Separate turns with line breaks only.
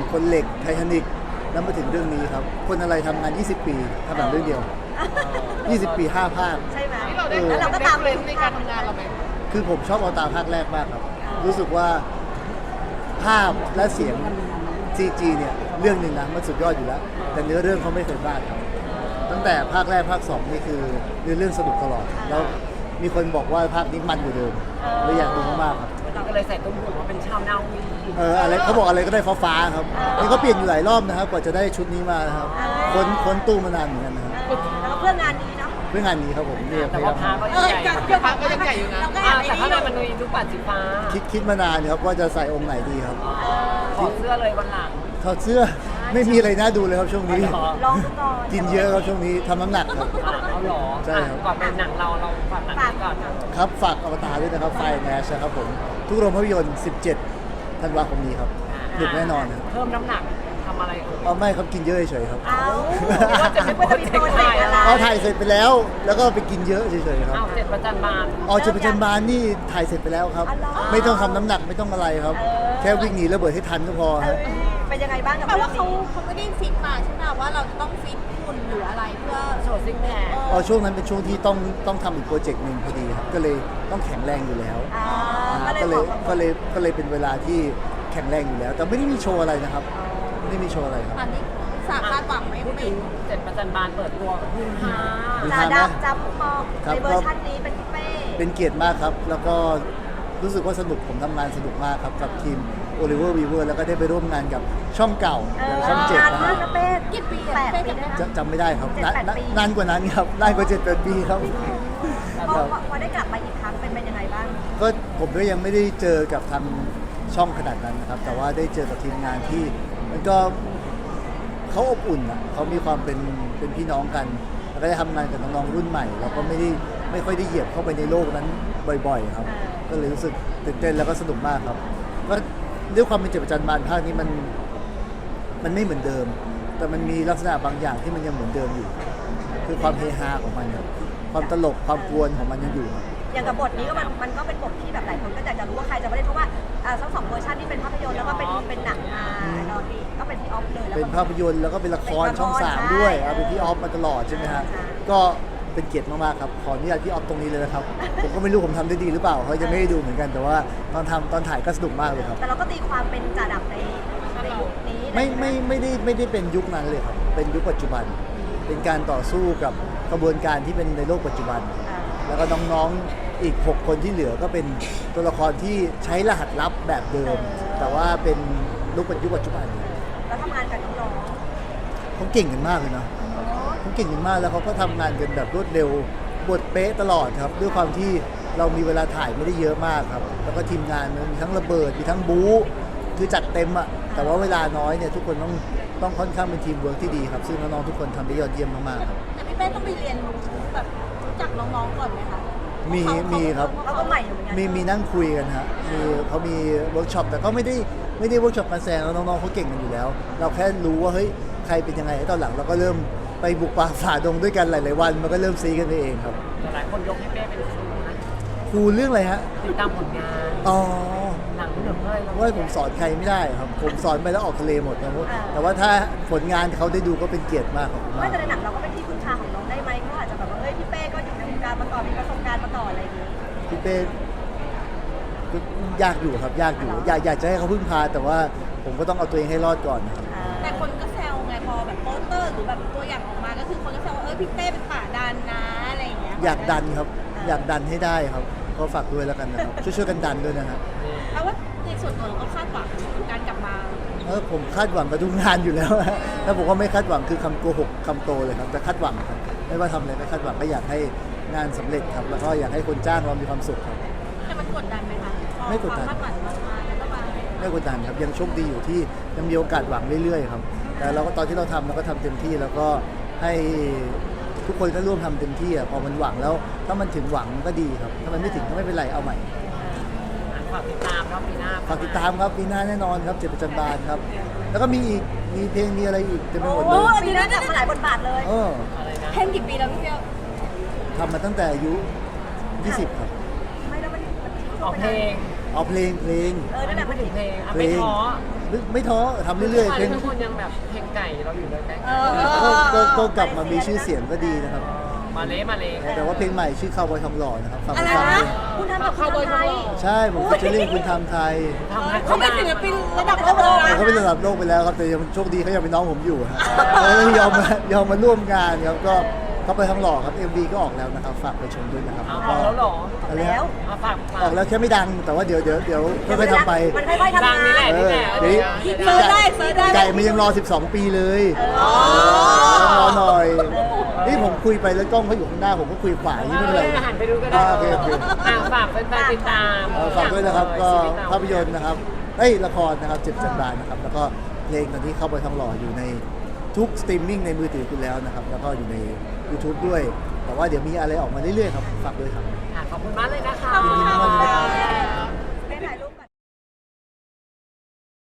คนเหล็กไททานิกแล้วมาถึงเรื่องนี้ครับคนอะไรทำงาน20 ปีทำหนังเรื่องเดียว20 ปี5 ภาค
ใช่ไหม
ที่เราได้
แล้วเราก็ตาม
เลนในการทำงานเราไหม
คือผมชอบเอาตาภาคแรกมากครับรู้สึกว่าภาพและเสียง CG เนี่ยเรื่องหนึ่งนะมันสุดยอดอยู่แล้วแต่เนื้อเรื่องเขาไม่เคยพลาดครับตั้งแต่ภาคแรกภาค2นี่คือเนื้อเรื่องสนุกตลอดแล้วมีคนบอกว่าภาคนี้มันกว่าเดิมเลยอยากดูมากๆครับ
ก็เลยใส่ตุ้มหูว่าเป็นชาวนาวี
อะไรเขาบอกอะไรก็ได้ฟ้าๆครับนี่เขาเปลี่ยนอยู่หลายรอบนะครับกว่าจะได้ชุดนี้มานะครับค้นตู้มานานเหมือนกันนะครับ
แล้วก็เพื่องานนี้เนาะ
เพื่องานนี้ครับผมเนี่ยพ
แต่
ยายา
ว่าม พาก็ยังใหญ่พาก็ยังใหญ่อยู่นะ
เราก็แอบ
แต่
ไอ้
ข้างใน
นี่
มันมีลูกปัดสีฟ้า
คิดมานานครับว่าจะใส่องค์ไหนดีครับ
ขอเสื้อเลยวันหลัง
ถอดเสื้อไม่มีอะไรน่าดูเลยครับช่วงนี้
ลองดูก่อน
กินเยอะครับช่วงนี้ทำน้ำหนักครับ
เอาหรอ
ใช่ครับ
ก่อนเป็นหนังเราฝากหนังนี้ก่อนนะ
ครับฝากอวตารด้วยนะครับไฟแนชนะครับผมทุกโรงภาพยนตร์17 ธันวาคมนี้ครับหนุกแน่นอนครับ
เพิ่มน้ำหนักทำอะไรอื่น
เอาไม่ครับกินเยอะเฉยๆครับ
เอา
ว่าจะไม่
ว่าจะมีโปรเจกต์อะไร
เอาถ่ายเสร็จไปแล้ว แล้วก็ไปกินเยอะเฉยๆครับ
อ้าว7 ประจันบาน
ออกจะเป็นจันบานนี่ถ่ายเสร็จไปแล้วครับ ไม่ต้องทำน้ำหนักไม่ต้องอะไรครับ แค่วิ่งหนีระเบิดให้ทันก็พอครับ
เป็นยังไงบ้างกับ
แปล
เรื่อ
ว่าง เขา
นี้
เขาไม่ได้ฟิกมาใช่ไหมว่าเราจะต้องฟิตหุ่นหรืออะไรเพื่อ
โชว์ซิกแพค
อ๋อช่วงนั้นเป็นช่วงที่ต้องทำอีกโปรเจกต์หนึ่งพอดีครับก็เลยต้องแข็งแรงอยู่แล้ว
ก็เลย
ก็เลยเป็นเวลาที่แข็งแรงอยู่แล้ว แต่ไม่ได้มีโชว์อะไรนะครับไม่ได้มีโชว์อะไรครับ
อันนี้สาคาดหวังไหม
พูดถึง7 ประจันบานเปิดตัวฮือฮา
จ่าดำจำมองในเวอร์ชันนี้เป็นพี่เป้
เป็นเกียรติมากครับ แล้วก็รู้สึกว่าสนุกผมทำงานสนุกมากครับกับทีม Oliver Weaver แล้วก็ได้ไปร่วมงานกับช่องเก่าอย่างช่อง7
นาน
นะค
มา
รั
ก
บ
นะเป้
กี่ปี
แป
อะ
ดปีได้ไหม
จำไม่ได้ครับ
7-8 ปี
นานกว่านั้นครับนานกว่า7-8 ปีครับ
พอได้กลับมาอีกครั้งเป็นยังไงบ้าง
ก็ผมก็ยังไม่ได้เจอกับทางช่องขนาดนั้นนะครับ แต่ว่าได้เจอกับทีมงานที่มันก็เขาอบอุ่นอ่ะเขามีความเป็นพี่น้องกัน แล้วก็ได้ทำงานกับน้องๆรุ่นใหม่เราก็ไม่ค่อยได้เหยียบเข้าไปในโลกนั้นบ่อยๆครับ ก็เลยรู้สึกตื่นเต้นแล้วก็สนุกมากครับก็ด้วยความเป็นเจ็บประจันบานภาคนี้มันไม่เหมือนเดิม แต่มันมีลักษณะบางอย่างที่มันยังเหมือนเดิมอยู่ คือความเฮฮาของมันครับความตลกความกวนของมันยังอยู่ครับ
อย่างกับบทนี้ก็มันก็เป็นบทที่แบบหลายคนก็อยากจะรู้ว่าใครจะมาเล่นเพราะว่าทั้งสองเวอร์ชันที่เป็นภาพยนตร์แล้วก็เป็นหนังมาเราที่ก็เป็นพี่ออฟเลยแล้ว
เป็น
ก็
ภาพยนตร์แล้วก็เป็นละคร
เป็นละคร
ช่อง
ใช่
3ด้วยเอาเป็นพี่ออฟมาตลอดใช่ไหมฮะ
ใช่
ก็เป็นเกียรติมากๆครับขออนุญาตพี่ออฟตรงนี้เลยนะครับ ผมก็ไม่รู้ผมทำได้ดีหรือเปล่าเขาจะไม่ได้ดูเหมือนกันแต่ว่าตอนถ่ายก็สนุกมากเลยครับ
แต่เราก็ตีความเป็นจ่าดับในยุคนี้
ไม่ได้เป็นยุคนั้นเลยครับเป็นยุคปัจจุบัน เป็นการต่อสู้กับกระบวนการที่เป็นในโลกปัจจุบัน แล้วก็น้องๆอีก 6 คนที่เหลือก็เป็นตัวละครที่ใช้รหัสลับแบบเดิม แต่ว่าเป็นยุคปัจจุบัน
แล้วทำงานกับน้อง
เขาเก่งกันมากเลยนะเขาเก่งกันมากแล้วเขาก็ทำงานกันแบบรวดเร็วบทเป๊ะตลอดครับด้วยความที่เรามีเวลาถ่ายไม่ได้เยอะมากครับแล้วก็ทีมงานมันมีทั้งระเบิดมีทั้งบู๊คือจัดเต็มอะแต่ว่าเวลาน้อยเนี่ยทุกคนต้องค่อนข้างเป็นทีมเวิร์กที่ดีครับซึ่งน้องๆทุกคนทำได้ยอดเยี่ยมมากๆครับ
แต่พี่เป้ต้องไปเรียนรู้แบบรู้จักน้องๆก่อนไหมคะ
มีครับ
ๆเขาก็ใหม่อยู่เหมือนกัน
มีนั่งคุยกันฮะเขามีเวิร์กช็อปแต่ก็ไม่ได้เวิร์กช็อปการแสดงแล้วน้องๆเขาเก่งกันอยู่แล้ว เราแค่รู้ว่าเฮ้ยใครเป็นยังไงตอนหลังเราก็เริ่มไปบุกป่าฝ่าดงด้วยกันหลายๆวันมันก็เริ่มซีกันไปเองครับ
หลายคนยกให้เป้เป็นครูนะ
ครูเรื่องอะไรฮะ
ติดตามผลงาน
อ๋อ
หนังหนึ่งเลย
ว่าผมสอนใครไม่ได้ครับ ผมสอนไปแล้วออกทะเลหมดนะแต่ว่าถ้าผลงานเขาได้ดูก็เป็นเกียรติมากครับ
ไม่แต่ในหนังเราก็เป็นที่พึ่งพาของน้องได้ไหมเขาอาจจะแบบว่าเฮ้ยพี่เป้ก็อยู่ในวงการมาก่อนมีประสบการณ์มาก่อนอะไรอย่างนี้
พี่เป้ก็ยากอยู่ครับยากอยู่อยากจะให้เขาพึ่งพา แต่ว่าผมก็ต้องเอาตัวเองให้รอดก่อนนะครับ
แต่คนก็แซวไงพอแบบโปสเตอร์หรือแบบตัวอย่างออกมาก็คือคนก็แซวว่าพี่เป้เป็นป่าดันนะอะไรอย่างเงี้ย
อยากดันครับ อยากดันให้ได้ครับก็ฝากด้วยแล้วกันนะครับช่วยกันดันด้วยนะฮะ
แปลว่าในส่วนตัวเราก็คาดหวังการกลับมา
ผมคาดหวังกับทุกงานอยู่แล้วฮะถ้าผมว่าไม่คาดหวังคือคำโกหกคำโตเลยครับแต่คาดหวังครับไม่ว่าทำอะไรก็คาดหวังก็อยากให้งานสำเร็จครับแล้วก็อยากให้คนจ้างเรามีความสุขครับ
แต่มันกดดันไหมคะพอ
ไม่กดดัน
ความคาดหวังมันมาแล้วก็มา
ไม่กดดันครับยังโชคดีอยู่ที่ยังมีโอกาสหวังเรื่อยๆครับแต่เราก็ตอนที่เราทำเราก็ทำเต็มที่แล้วก็ให้ทุกคนก็ร่วมทำเต็มที่อ่ะพอมันหวังแล้วถ้ามันถึงหวังก็ดีครับถ้ามันไม่ถึงก็ไม่เป็นไรเอาใหม่
ฝากติดตามรอบปีหน้า
ฝากติดตามครับปีหน้าแน่นอนครับเจ็บประจันบานครับแล้วก็มีอีกมีเพลงมีอะไรอีกเต็มไปหมดเลย
มีได้แบบมาหลายบทบาทเลย
อะไรนะ
เพ่งกี่ปีแล้วพี่เป้
ทำมาตั้งแต่อายุ 20 ครับ
ไม่แล้วมัน
ออกเพลง
เอาเพลง
นั่นแหละ
พู
มั
ด
น
ถึงเพลง
เพล
ไม่
ง
ท้อ
ไม่ท้อทำเรื่อยๆเพลง
ทุกคนยังแบบเพลงไก่เราอยู่เลยไก่
ก็กลับมามีชื่อเสียงก็ดีนะครับ
มาเละ
แต่ว่าเพลงใหม่ชื่อคาวบอยทองหล่อนะครับฟัง
อะไร
ฟัง
นะ
เลย
คุณทำกับคนไทย
ใช่ผมฟิชเชอร์ลิงคุณทำไทย
ทำให้
เขาเป็นศิลปินระดับโลกเลย
แต่
นะ
เขาเป็นระดับโลกไปแล้วครับแต่ยังโชคดีเขายังเป็นน้องผมอยู่ฮะเขาเลยยอมมาร่วมงานครับก็เขาไปทองหล่อครับ MV ก็ออกแล้วนะครับฝากไปชมด้วยนะครับ
เอา
ก็
แล้วหรอ
อะไรฮะ
มาฝาก
ออกแล้วแค่ไม่ดังแต่ว่าเดี๋ยวค่อยๆทำไป
มันค่อยๆทำ
ดัง
งา
นี่แหละ
น
นี่แหละ
เซิร์ชได้เซิร์ชได้
ไก่มันยังรอ 12 ปีเลยรอหน่อย นี่ผมคุยไปแล้วกล้องเขาอยู่ข้างหน้าผมก็คุยขวาอย่างนี้ไม่เป็นไร
หันไปดูก็ได้
โอเค
ฝากแฟนๆติดตาม
ฝากด้วยนะครับก็ภาพยนตร์นะครับละครนะครับเจ็บจันดานนะครับแล้วก็เพลงตอนนี้เข้าไปทองหล่ออยู่ในทุกสตรีมมิ่งในมือถือคุณแล้วนะครับแล้วก็อยู่ใน YouTube ด้วย แต่ว่าเดี๋ยวมีอะไรออกมาเรื่อยๆครับฝากด้วยครับ
ขอบคุณมากเลยนะคะ
ยินดีมากเลยนะครับ
ได้ถ่ายรูป